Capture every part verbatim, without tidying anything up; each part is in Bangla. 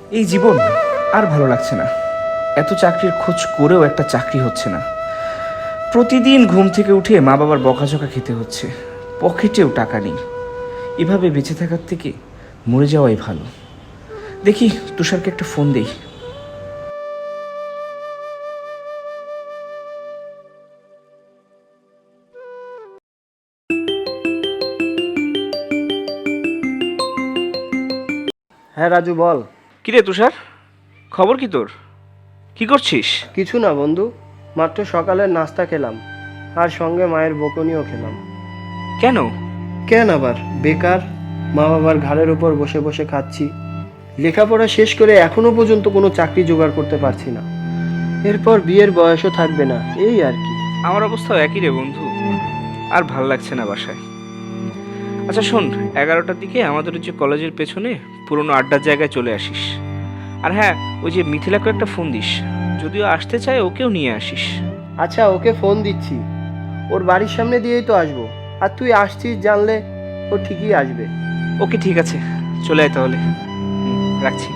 এই জীবন আর ভালো লাগছে না। এত চাকরির খোঁজ করেও একটা চাকরি হচ্ছে না। প্রতিদিন ঘুম থেকে উঠে মা বাবার বকাঝকা খেতে হচ্ছে, পকেটেও টাকা নেই। এভাবে বেঁচে থাকার থেকে মরে যাওয়াই ভালো। দেখি তুষারকে একটা ফোন দেই। হ্যাঁ রাজু, বল। কিরে তুষার, খবর কি তোর? কি করছিস? কিছু না বন্ধু, মাত্র সকালের নাস্তা খেলাম, আর সঙ্গে মায়ের বকুনিও খেলাম। কেন? কেন আবার, বেকার। মা বাবার ঘাড়ের উপর বসে বসে খাচ্ছি। লেখাপড়া শেষ করে এখনো পর্যন্ত কোনো চাকরি জোগাড় করতে পারছি না। এরপর বিয়ের বয়সও থাকবে না, এই আর কি। আমার অবস্থাও একই রে বন্ধু, আর ভাল লাগছে না বাসায়। আচ্ছা শোন, এগারোটার দিকে আমাদের যে কলেজের পেছনে পুরোনো আড্ডার জায়গায় চলে আসিস। আর হ্যাঁ, ওই যে মিথিলাকে একটা ফোন দিস, যদিও আসতে চায় ওকেও নিয়ে আসিস। আচ্ছা, ওকে ফোন দিচ্ছি। ওর বাড়ির সামনে দিয়েই তো আসবো, আর তুই আসছিস জানলে ও ঠিকই আসবে। ওকে ঠিক আছে, চলে আয় তাহলে। হুম, রাখছি।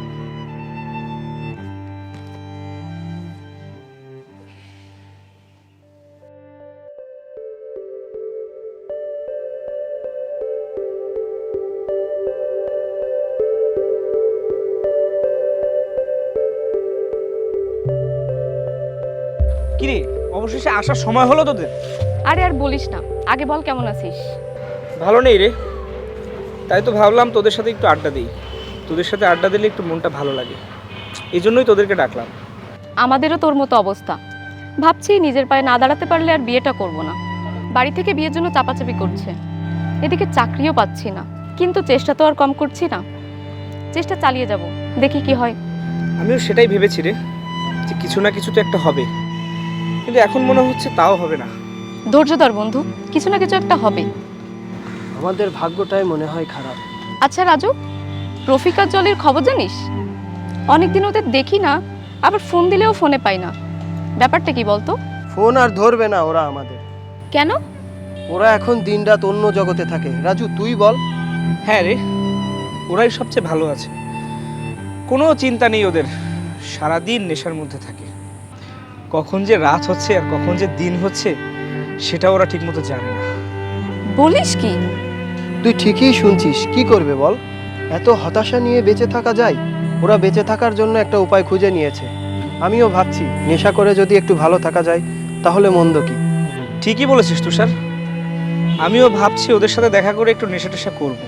কিরে, অবশেষে আসার সময় হলো তোদের? আরে আর বলিস না, আগে বল কেমন আছিস? ভালো নেই রে, তাই তো ভাবলাম তোদের সাথে একটু আড্ডা দিই। তোদের সাথে আড্ডা দিলে একটু মনটা ভালো লাগে, এই জন্যই তোদেরকে ডাকলাম। আমাদেরও তোর মতো অবস্থা। ভাবছি নিজের পায়ে না দাঁড়াতে পারলে আর বিয়েটা করব না। বাড়ি থেকে বিয়ের জন্য চাপাচাপি করছে, এদিকে চাকরিও পাচ্ছি না, কিন্তু চেষ্টা তো আর কম করছি না। চেষ্টা চালিয়ে যাব, দেখি কি হয়। আমিও সেটাই ভেবেছি রে, যে কিছু না কিছু তো একটা হবে, কিন্তু এখন মনে হচ্ছে তাও হবে না। ধৈর্য ধর বন্ধু, কিছু না কিছু একটা হবে। আমাদের ভাগ্যটাই মনে হয় খারাপ। আচ্ছা রাজু, রফিকার জলের খবর জানিস? অনেকদিন ওদের দেখি না, আবার ফোন দিলেও ফোনে পাই না। ব্যাপারটা কি বলতো? ফোন আর ধরবে না ওরা আমাদের। কেন? ওরা এখন দিনরাত অন্য জগতে থাকে। রাজু, তুই বল। হ্যাঁ রে, ওরাই সবচেয়ে ভালো আছে, কোনো চিন্তা নেই ওদের। সারাদিন নেশার মধ্যে থাকে, কখন যে রাত হচ্ছে আর কখন যে দিন হচ্ছে সেটা ওরা ঠিকমতো জানে না। বলিস কি? তুই ঠিকই শুনছিস, কি করবে বল? এত হতাশা নিয়ে বেঁচে থাকা যায়? ওরা বেঁচে থাকার জন্য একটা উপায় খুঁজে নিয়েছে। আমিও ভাবছি নেশা করে যদি একটু ভালো থাকা যায় তাহলে মন্দ কি। ঠিকই বলেছিস তুষার, আমিও ভাবছি ওদের সাথে দেখা করে একটু নেশা টেশা করবো।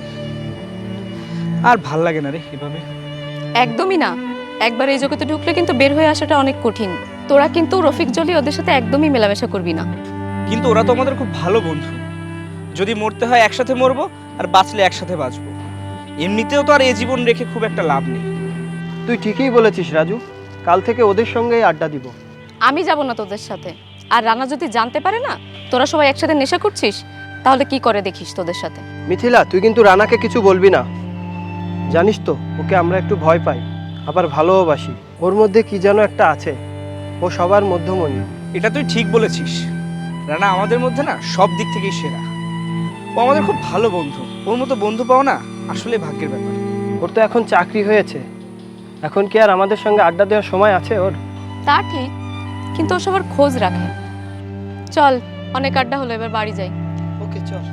আর ভাল লাগে না রে এভাবে। একদমই না, একবার এই জগতে ঢুকলে কিন্তু বের হয়ে আসাটা অনেক কঠিন। তোরা কিন্তু রফিক জলি ওদের সাথে একদমই মেলামেশা করবি না। কিন্তু ওরা তো আমাদের খুব ভালো বন্ধু, যদি মরতে হয় একসাথে মরবো, আর বাঁচলে একসাথে বাঁচবো। এমনিতেও তো আর এই জীবন রেখে খুব একটা লাভ নেই। তুই ঠিকই বলেছিস রাজু, কাল থেকে ওদের সঙ্গেই আড্ডা দিব। আমি যাব না তোদের সাথে। আর রানা যদি জানতে পারে না তোরা সবাই একসাথে নেশা করছিস, তাহলে কি করে দেখিস তোদের সাথে। মিথিলা, তুই কিন্তু রানাকে কিছু বলবি না। জানিস তো, ওকে আমরা একটু ভয় পাই, আবার ভালোবাসি। ওর মধ্যে কি যেন একটা আছে, ও সবার মধ্যমণি। এটা তুই ঠিক বলেছিস, রানা আমাদের মধ্যে না সব দিক থেকেই সেরা। ও আমাদের খুব ভালো বন্ধু, ওর মতো বন্ধু পাওয়া না আসলে ভাগ্যের ব্যাপার। ওর তো এখন চাকরি হয়েছে, এখন কি আর আমাদের সঙ্গে আড্ডা দেওয়ার সময় আছে ওর? তা ঠিক, কিন্তু ও সবার খোঁজ রাখে। চল, অনেক আড্ডা হলো, এবার বাড়ি যাই। ওকে চল।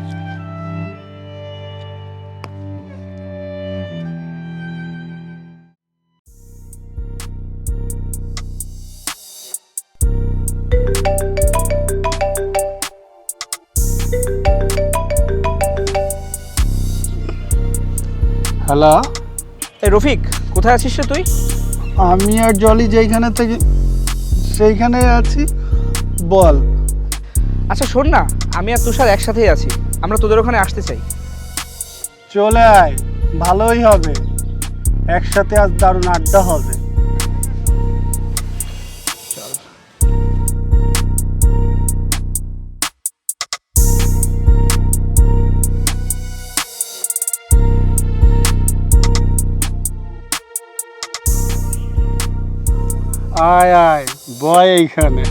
হ্যালো, এই রফিক, কোথায় আছিস রে তুই? আমি আর জলি যেইখানে থেকে সেইখানে আছি, বল। আচ্ছা শোন না, আমি আর তুষার একসাথেই আছি, আমরা তোদের ওখানে আসতে চাই। চলে আয়, ভালোই হবে, একসাথে আজ দারুণ আড্ডা হবে। চল। আয় আয়, বয় এইখানে।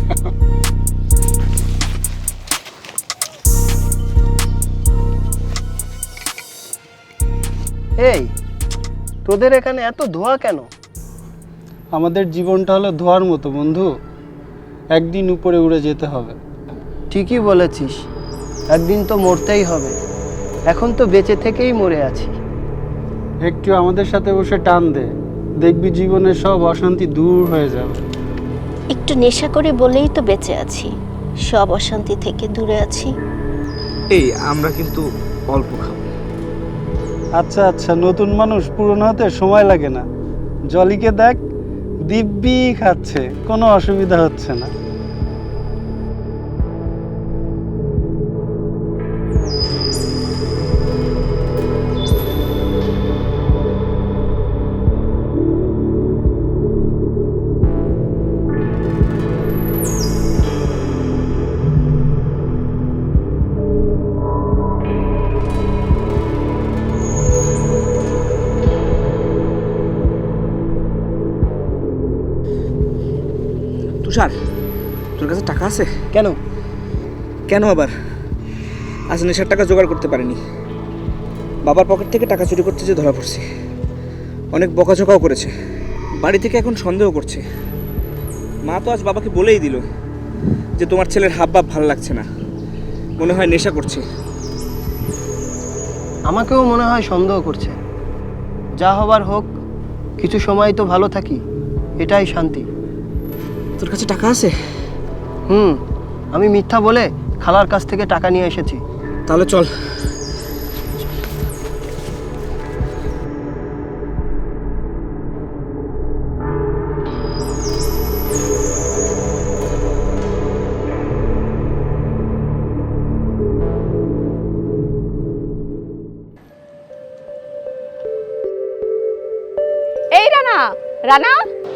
এই তোদের এখানে এত ধোঁয়া কেন? আমাদের জীবনটা হলো ধোয়ার মতো বন্ধু, একদিন উপরে উড়ে যেতে হবে। ঠিকই বলেছিস, একদিন তো মরতেই হবে। এখন তো বেঁচে থেকেই মরে আছি। একটু আমাদের সাথে বসে টান দে, দেখবি জীবনের সব অশান্তি দূর হয়ে যাবে। একটু নেশা করে বলেই তো বেঁচে আছি, সব অশান্তি থেকে দূরে আছি। এই আমরা কিন্তু অল্প খাবো। আচ্ছা আচ্ছা, নতুন মানুষ পুরনো হতে সময় লাগে না। জলিকে দেখ, দিব্যি খাচ্ছে, কোনো অসুবিধা হচ্ছে না। তুষার, তোর কাছে টাকা আছে? কেন? কেন আবার? আজ নেশার টাকা জোগাড় করতে পারিনি। বাবার পকেট থেকে টাকা চুরি করতে যে ধরা পড়ছি। অনেক বকাঝকাও করেছে, বাড়ি থেকে এখন সন্দেহ করছে। মা তো আজ বাবাকে বলেই দিল যে তোমার ছেলের হাব ভাব ভালো লাগছে না, মনে হয় নেশা করছে। আমাকেও মনে হয় সন্দেহ করছে। যা হবার হোক, কিছু সময় তো ভালো থাকি, এটাই শান্তি। তোর কাছে টাকা আছে? হুম, আমি মিথ্যা বলে খালার কাছ থেকে টাকা নিয়ে এসেছি। তাহলে চল। এই রানা, রানা,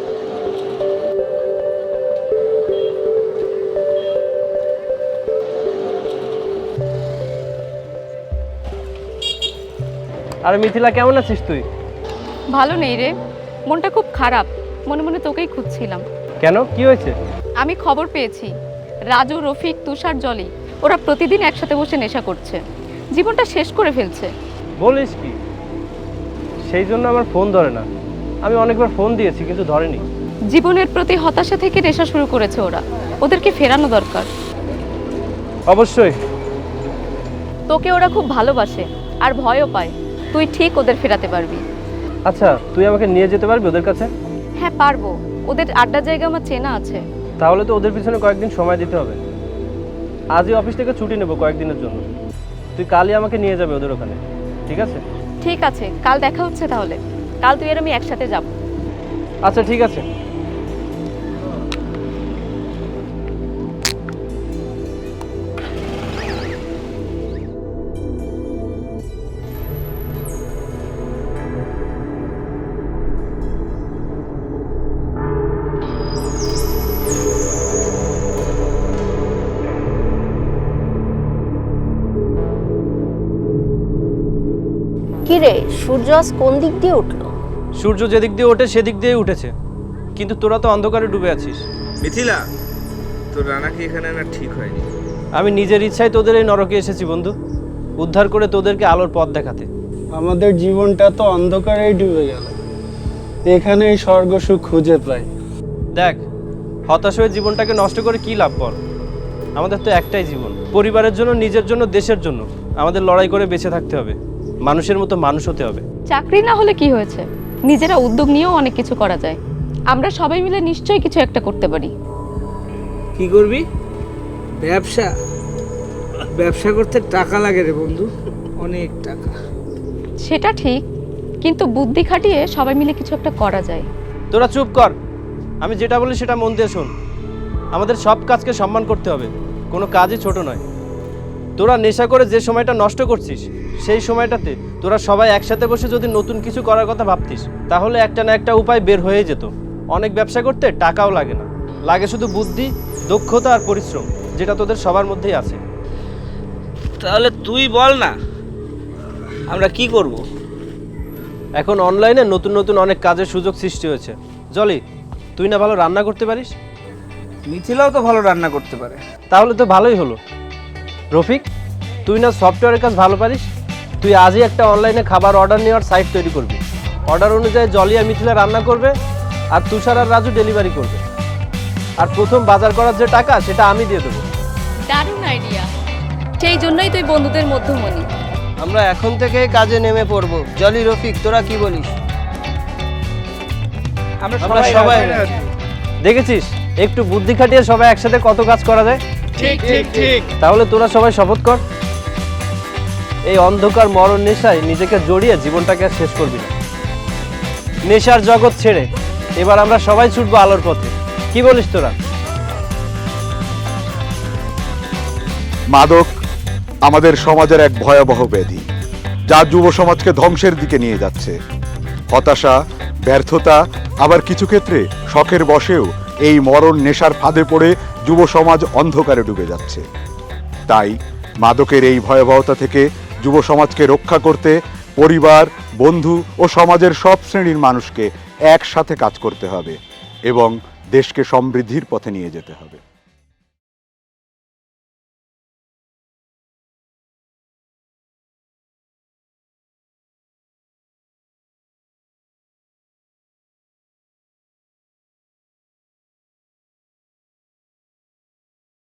আর মিথিলা, কেমন আছিস তুই? ভালো নেই রে, মনটা খুব খারাপ। মনে মনে তোকেই খুঁজছিলাম। কেন, কি হয়েছে? আমি খবর পেয়েছি রাজু, রফিক, তুষার, জলি ওরা প্রতিদিন একসাথে বসে নেশা করছে, জীবনটা শেষ করে ফেলছে। বলিস কি? সেই জন্য আমার ফোন ধরে না। আমি অনেকবার ফোন দিয়েছি কিন্তু ধরেনি। জীবনের প্রতি হতাশা থেকে নেশা শুরু করেছে ওরা, ওদেরকে ফেরানো দরকার। অবশ্যই। তোকে ওরা খুব ভালোবাসে আর ভয়ও পায়, তুই ঠিক ওদের ফেরাতে পারবি। আচ্ছা, তুই আমাকে নিয়ে যেতে পারবি ওদের কাছে? হ্যাঁ পারবো, ওদের আড্ডা জায়গা আমার চেনা আছে। তাহলে তো ওদের পিছনে কয়েকদিন সময় দিতে হবে। আজই অফিস থেকে ছুটি নেব কয়েকদিনের জন্য। তুই কালই আমাকে নিয়ে যাবে ওদের ওখানে, ঠিক আছে? ঠিক আছে, কাল দেখা হচ্ছে তাহলে। কাল তুই আর আমি একসাথে যাব। আচ্ছা ঠিক আছে। কি রে, সূর্য আজ কোন দিক দিয়ে উঠলো? সূর্য যেদিক দিয়ে ওঠে সেদিক দিয়েই উঠেছে, কিন্তু তোরা তো অন্ধকারে ডুবে আছিস। মিথিলা, তোর রানাকে এখানে না ঠিক হয়নি। আমি নিজের ইচ্ছায় তোদের এই নরকে এসেছি বন্ধু, উদ্ধার করে তোদেরকে আলোর পথ দেখাতে। আমাদের জীবনটা তো অন্ধকারেই ডুবে গেল, এখানেই স্বর্গ সুখ খুঁজে পাই। দেখ, হতাশ হয়ে জীবনটাকে নষ্ট করে কি লাভ বল? আমাদের তো একটাই জীবন, পরিবারের জন্য, নিজের জন্য, দেশের জন্য আমাদের লড়াই করে বেঁচে থাকতে হবে। মানুষের মতো মানুষ হতে হবে। চাকরি না হলে কি হয়েছে, নিজেরা উদ্যোগ নিয়েও অনেক কিছু করা যায়। আমরা সবাই মিলে নিশ্চয়ই কিছু একটা করতে পারি। কি করবি? ব্যবসা? ব্যবসা করতে টাকা লাগে রে বন্ধু, অনেক টাকা। সেটা ঠিক, কিন্তু বুদ্ধি খাটিয়ে সবাই মিলে কিছু একটা করা যায়। তোরা চুপ কর, আমি যেটা বলি সেটা মন দিয়ে শোন। আমাদের সব কাজকে সম্মান করতে হবে, কোনো কাজই ছোট নয়। তোরা নেশা করে যে সময়টা নষ্ট করছিস, সেই সময়টাতে তোরা সবাই একসাথে বসে যদি নতুন কিছু করার কথা ভাবতিস, তাহলে একটা না একটা উপায় বের হয়ে যেত। অনেক ব্যবসা করতে টাকাও লাগে না, লাগে শুধু বুদ্ধি, দক্ষতা আর পরিশ্রম, যেটা তোদের সবার মধ্যেই আছে। তাহলে তুই বল না, আমরা কি করব? এখন অনলাইনে নতুন নতুন অনেক কাজের সুযোগ সৃষ্টি হয়েছে। জলি, তুই না ভালো রান্না করতে পারিস? মিথিলাও তো ভালো রান্না করতে পারে। তাহলে তো ভালোই হলো। রফিক, তুই না সফটওয়্যারের কাজ ভালো পারিস? তুই আজই একটা অনলাইনে খাবার অর্ডার নেওয়ার সাইট তৈরি করবি। অর্ডার অনুযায়ী জলি আর মিথিলা রান্না করবে, আর তুষার আর রাজু ডেলিভারি করবে। আর প্রথম বাজার করার যে টাকা সেটা আমি দিয়ে দেবো। দারুণ আইডিয়া, সেই জন্যই তুই বন্ধুদের মধ্যমণি। আমরা এখন থেকে কাজে নেমে পড়বো। জলি, রফিক, তোরা কি বলিস? আমরা আমরা সবাই দেখেছিস একটু বুদ্ধি খাটিয়ে সবাই একসাথে কত কাজ করা যায়। ঠিক ঠিক ঠিক। তাহলে তোরা সবাই শপথ কর, এই অন্ধকার মরণ নেশায় নিজেকে জড়িয়ে জীবনটাকে আর শেষ করবি না। নেশার জগৎ ছেড়ে এবার আমরা সবাই ছুটবো আলোর পথে। কি বলিস তোরা? মাদক আমাদের সমাজের এক ভয়াবহ ব্যাধি, যা যুব সমাজকে ধ্বংসের দিকে নিয়ে যাচ্ছে। হতাশা, ব্যর্থতা, আবার কিছু ক্ষেত্রে শখের বশেও এই মরণ নেশার ফাঁদে পড়ে যুব সমাজ অন্ধকারে ডুবে যাচ্ছে। তাই মাদকের এই ভয়াবহতা থেকে যুব সমাজকে রক্ষা করতে পরিবার, বন্ধু ও সমাজের সব শ্রেণীর মানুষকে একসাথে কাজ করতে হবে এবং দেশকে সমৃদ্ধির পথে নিয়ে যেতে হবে।